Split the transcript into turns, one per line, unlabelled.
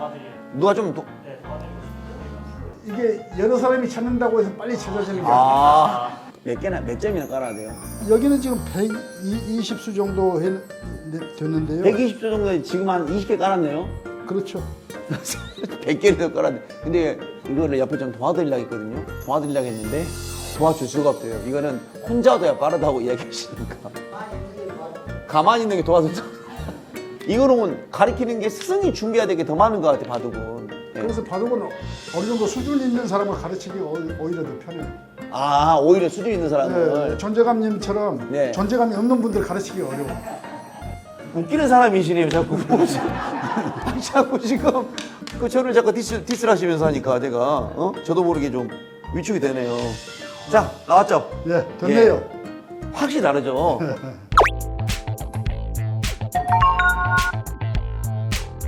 누가 좀
이게 여러 사람이 찾는다고 해서 빨리 찾아지는 게 아니에요.
몇 개나 몇 점이나 깔아야 돼요?
여기는 지금 120수 정도 됐는데요.
120조 정도에 지금 한 20개 깔았네요.
그렇죠.
100개를 더 깔았네. 근데 이거를 옆에 좀 도와드리려고 했거든요. 도와드리려고 했는데 도와줄 수가 없대요. 이거는 혼자 둬야 빠르다고 이야기하시니까. 가만히 있는 게 도와준다. 이거는 가리키는 게 스승이 준비해야 될 게 더 많은 것 같아, 바둑은. 예.
그래서 바둑은 어느 정도 수준 있는 사람을 가르치기 오히려 더 편해요.
오히려 수준 있는 사람을.
네, 존재감님처럼
네.
존재감이 없는 분들 가르치기 어려워.
웃기는 사람이시네요, 자꾸. 자꾸 지금 저를 자꾸 디스를 하시면서 하니까 내가 저도 모르게 좀 위축이 되네요. 자, 나왔죠?
네, 됐네요.
확실히 다르죠?